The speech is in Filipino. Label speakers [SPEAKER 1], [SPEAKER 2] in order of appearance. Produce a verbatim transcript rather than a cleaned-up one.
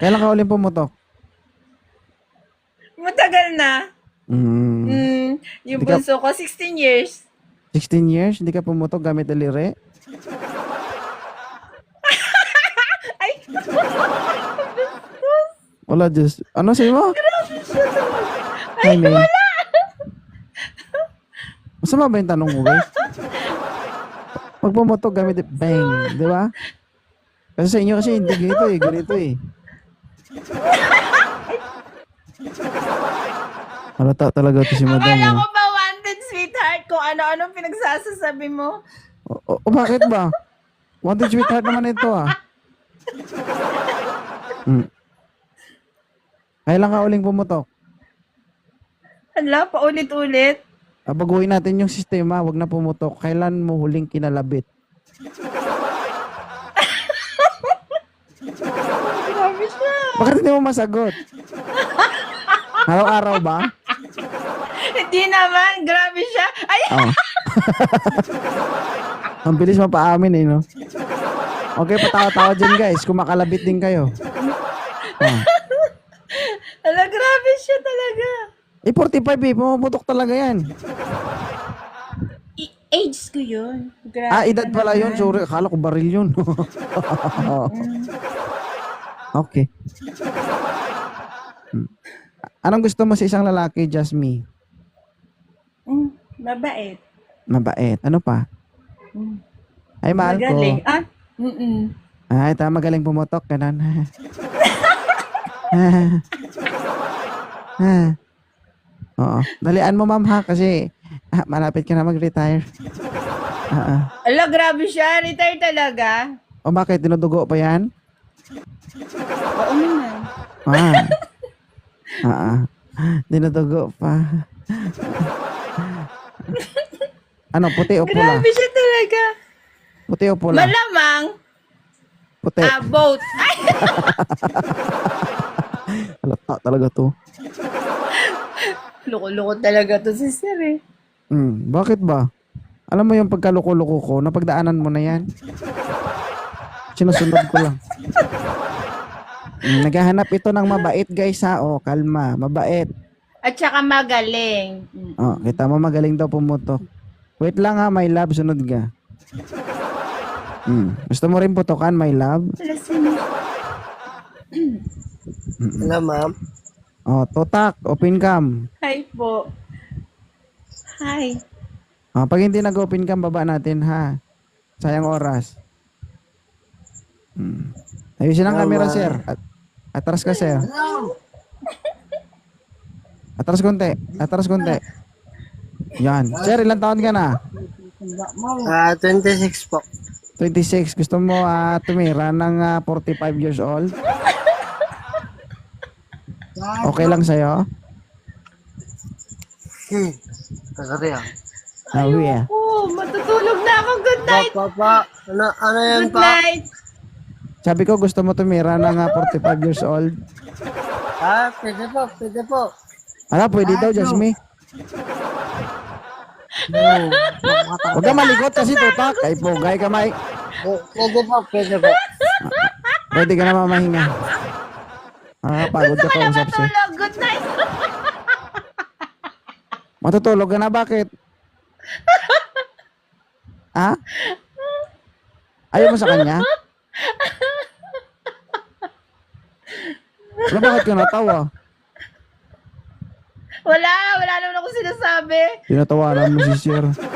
[SPEAKER 1] Kailan ka uling pumutok?
[SPEAKER 2] Matagal na.
[SPEAKER 1] Mm.
[SPEAKER 2] Mm, yung
[SPEAKER 1] Hindi ka-
[SPEAKER 2] bunso ko, sixteen years.
[SPEAKER 1] sixteen years? Hindi ka pumutok gamit daliri?
[SPEAKER 2] Ay,
[SPEAKER 1] Wala, Diyos. Ano sa'yo mo?
[SPEAKER 2] ay,
[SPEAKER 1] Ay, May.
[SPEAKER 2] wala.
[SPEAKER 1] Masama ba yung tanong mo, guys? Pag pumutok gamit, bang. Di ba? Kasi sa inyo kasi hindi ganito eh. Ganito eh. Halata talaga ito si madam.
[SPEAKER 2] Akala
[SPEAKER 1] oh.
[SPEAKER 2] ko ba wanted, sweetheart, kung ano-anong pinagsasasabi mo?
[SPEAKER 1] O, o, o, bakit ba? Wanted sweetheart naman ito ah. Hmm. Kailan ka uling pumutok?
[SPEAKER 2] Hala, paulit-ulit.
[SPEAKER 1] Ah, baguhin natin yung sistema. Wag na pumutok. Kailan mo huling kinalabit?
[SPEAKER 2] Grabe siya.
[SPEAKER 1] Bakit hindi mo masagot? Araw-araw ba?
[SPEAKER 2] Hindi naman, grabe siya. Ay,
[SPEAKER 1] Oh. Ang bilis mapaamin eh, no? Okay, patawa-tawa dyan guys. Kung makalabit din kayo. Oh.
[SPEAKER 2] hala, grabe siya talaga.
[SPEAKER 1] Eh, forty-five eh. Pumuputok talaga yan.
[SPEAKER 2] I- age ko yun. Grabe
[SPEAKER 1] Ah, edad
[SPEAKER 2] ka
[SPEAKER 1] pala
[SPEAKER 2] naman.
[SPEAKER 1] yun. Sorry, akala ko baril yun. Okay. Hmm. Anong gusto mo sa isang lalaki, Jasmine?
[SPEAKER 2] Mm, mabait.
[SPEAKER 1] Mabait. Ano pa?
[SPEAKER 2] Mm.
[SPEAKER 1] Ay, mahal ko.
[SPEAKER 2] Magaling. Ah, mm-mm.
[SPEAKER 1] Ay, tama, magaling pumutok. Ganun. Oo. Dalian mo, ma'am, ha? Kasi ah, malapit ka na mag-retire. Ah, ah.
[SPEAKER 2] Ala, grabe siya. Retire talaga.
[SPEAKER 1] O bakit? Dinudugo pa yan?
[SPEAKER 2] Oo naman.
[SPEAKER 1] Ah. Ah, ah. Dinudugo pa. Ano, puti o pula?
[SPEAKER 2] Grabe siya talaga.
[SPEAKER 1] Puti o pula?
[SPEAKER 2] Malamang.
[SPEAKER 1] Puti.
[SPEAKER 2] Ah, both. Ay,
[SPEAKER 1] Halata talaga to.
[SPEAKER 2] loko-loko talaga to si Sir eh.
[SPEAKER 1] Hmm, bakit ba? Alam mo yung pagkaluko-luko ko, napagdaanan mo na yan. Sinusunod ko lang. Hmm, naghahanap ito ng mabait guys ha. O, kalma. Mabait.
[SPEAKER 2] At saka magaling. Mm.
[SPEAKER 1] O, kita mo magaling daw pumutok. Wait lang ha, my love. Sunod ka. Hmm. Gusto mo rin putokan, my love?
[SPEAKER 2] Wala sino.
[SPEAKER 3] Hello, ma'am.
[SPEAKER 1] O, totak. Open cam.
[SPEAKER 2] Hi po. Hi.
[SPEAKER 1] O, pag hindi nag-open cam, baba natin ha. Sayang oras. Hmm. Ayusin ang camera, sir. At atras ka, sir. Atras konti. Atras konti. Yan. Sir, ilang taon ka na?
[SPEAKER 3] Ah, twenty-six po.
[SPEAKER 1] twenty-six. Gusto mo ah, tumira ng ah, forty-five years old? Okay lang sa'yo?
[SPEAKER 3] Hmm. Kasari ah.
[SPEAKER 1] Nawi ah.
[SPEAKER 2] Oh, matutulog na ako. Good night.
[SPEAKER 3] Pa, pa, ano, ano yan
[SPEAKER 2] Good
[SPEAKER 3] pa?
[SPEAKER 2] night.
[SPEAKER 1] Sabi ko gusto mo tumira ng ah, forty-five years old?
[SPEAKER 3] Ah, pwede po, pwede po.
[SPEAKER 1] Ala, pwede daw, Jasmine.
[SPEAKER 3] Hmm.
[SPEAKER 1] Huwag ka malikot kasi tutak. Ay, pugay ka, Mike.
[SPEAKER 3] Pwede po, pwede po.
[SPEAKER 1] Pwede ka na mamahinga. Ah, pagod ka
[SPEAKER 2] Gusto ko na
[SPEAKER 1] kausap siya.
[SPEAKER 2] matulog. Good night.
[SPEAKER 1] Matutulog ka na, bakit? Ha? Ayaw mo sa kanya? Wala, bakit ka natawa?
[SPEAKER 2] Wala. Wala naman ako sinasabi.
[SPEAKER 1] Tinatawanan mo si Sir.